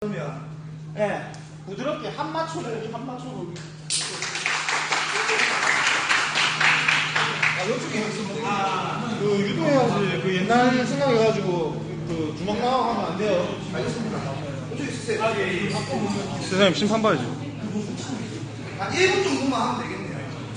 그러면 예, 부드럽게 한 맞춰 보기, 한 맞춰 보기. 이쪽에 그 유도해야지. 그 옛날 생각해가지고 그 주먹 나가고 하면 안 돼요. 알겠습니다. 이쪽에 있으세요. 예. 선생님 심판 봐야지. 한 1분 정도만 하면 되겠네요.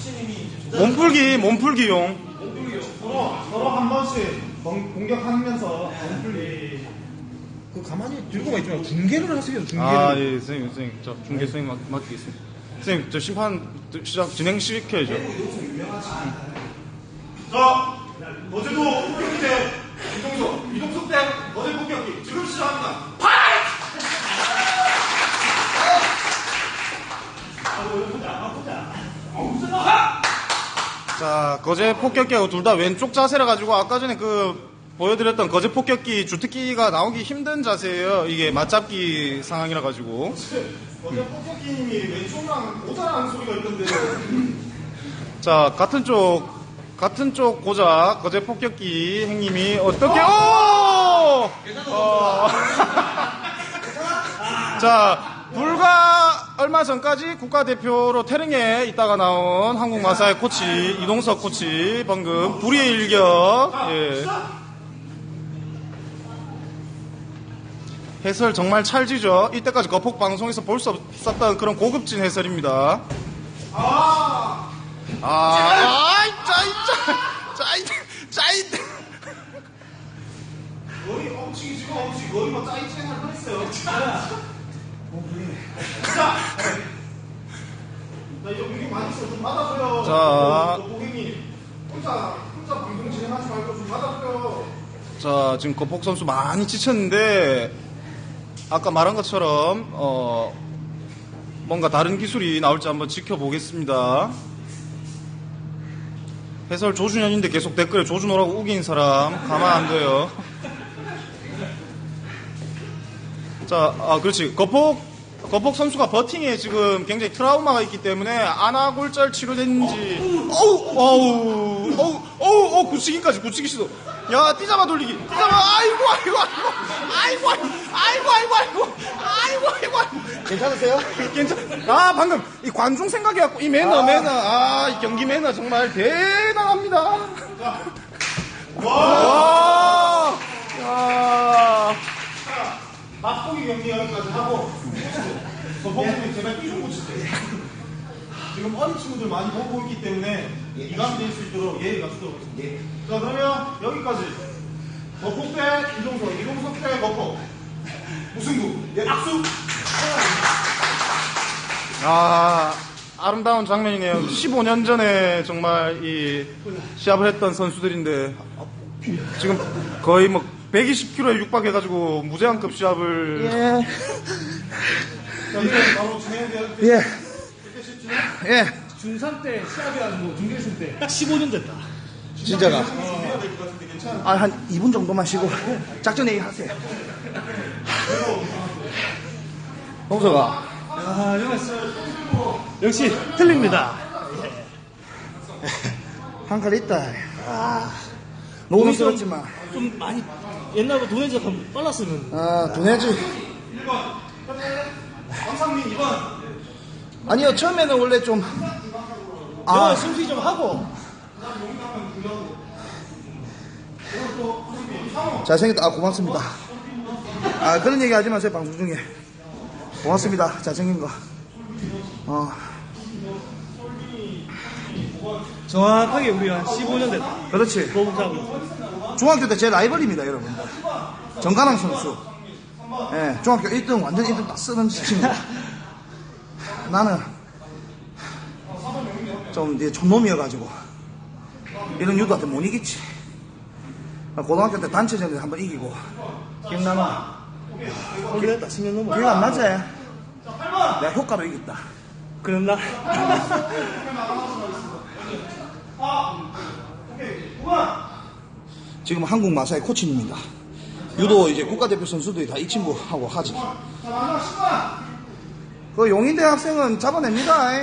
몸풀기용. 서로 한 번씩 공격하면서 몸풀기. 그 가만히 들고만 있지 말고 중계를 하세요. 중계를. 아, 예, 선생님. 저 중계 선생님 맡기겠습니다. 선생님, 저 심판 진행시켜야죠. 자, 어제도 폭격기 때 이동석 때 어제 폭격기 지금 시작합니다. 파이트! 자, 거제 폭격기하고 둘 다 왼쪽 자세라 가지고 아까 전에 그 보여드렸던 거제 폭격기 주특기가 나오기 힘든 자세예요. 이게 맞잡기 상황이라 가지고. 어제 폭격기님이 왼쪽랑 모자라는 소리가 있던데. 자, 같은 쪽 고작 거제 폭격기 행님이 어떻게 자, 불과 얼마 전까지 국가대표로 태릉에 있다가 나온 한국 마사의 코치 이동석 코치 방금 불의의 일격. 예. 해설 정말 찰지죠. 이때까지 거폭 방송에서 볼 수 없었던 그런 고급진 해설입니다. 짜이. 거의 엄치기 지금 엄치기 거의 뭐 짜이치기 할 뻔했어요. 자, 이제 공격 많이 있어 좀 받아줘요. 자. 고객님 혼자 방송 진행하지 말고 좀 받아줘요. 자, 지금 거폭 선수 많이 지쳤는데 아까 말한 것처럼 뭔가 다른 기술이 나올지 한번 지켜보겠습니다. 해설 조준현인데 계속 댓글에 조준호라고 우긴 사람 가만 안 둬요. 자, 그렇지. 거폭 선수가 버팅에 지금 굉장히 트라우마가 있기 때문에 안아골절 치료됐는지 굳히기까지 굳히기 시도. 야, 뛰자마 돌리기. 아이고. 괜찮으세요? 방금 이 관중 생각해갖고 이 매너. 이 경기 매너 정말 대단합니다. 와. 야. 맛보기 경기 여기까지 하고 거폭님이 제발 끼좀 고치세요. 지금 어린 친구들 많이 보고 있기 때문에 이감이 될 수 있도록 예의가 주도록 하겠습니다. 자, 그러면 여기까지 거폭 대 이동석 대 거폭 무승부. 예, 악수. 아름다운 장면이네요. 15년 전에 정말 이 시합을 했던 선수들인데 지금 거의 뭐 120kg에 육박해가지고 무제한급 시합을. 자, 이제 바로 진행해야 될 예. 중3 때 시합이 아니고 중계승 때 딱 15년 됐다. 진짜가. 준비해야 될 것 같은데 괜찮아? 한 2분 정도만 쉬고 작전 회의 하세요. 홍서가. 역시 틀립니다. 한 칼 있다. 너무 힘들었지만. 좀 많이 옛날보다 돈 해적 빨랐으면. 돈 내지. 1번 황상민 2번 아니요, 처음에는 원래 좀. 영화 승수이 좀 하고. 잘생겼다. 고맙습니다. 그런 얘기 하지 마세요, 방송 중에. 고맙습니다. 잘생긴 거. 정확하게 우리 한 15년 됐다. 그렇지. 보복하고. 중학교 때 제 라이벌입니다, 여러분들. 정가랑 선수. 예, 중학교 1등, 완전 1등 딱 쓰는 친구. 나는 좀 이제 촌놈이어가지고 이런 유도한테 못 이기지. 고등학교 때 단체전에 한번 이기고. 기억나나? 오래됐다. 10년 넘어. 기억 안 나지? 내가 효과로 이겼다. 그랬나? 지금 한국 마사의 코치입니다. 유도 이제 국가대표 선수들이 다 이 친구하고 하지. 그 용인대 학생은 잡아냅니다.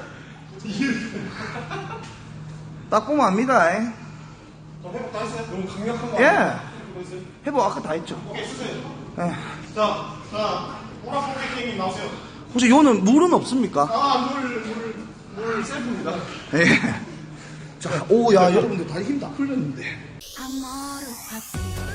딱 보면 압니다. 회복 다 했어요? 너무 강력한 거 예. 아니에요? 해보 아까 다 했죠. 오케이, 쓰세요. 예. 자, 보라 포켓 나오세요. 혹시 요는 물은 없습니까? 물 셀프입니다. 예. 자, 오, 야, 여러분들 다리 힘 다 풀렸는데. Amor,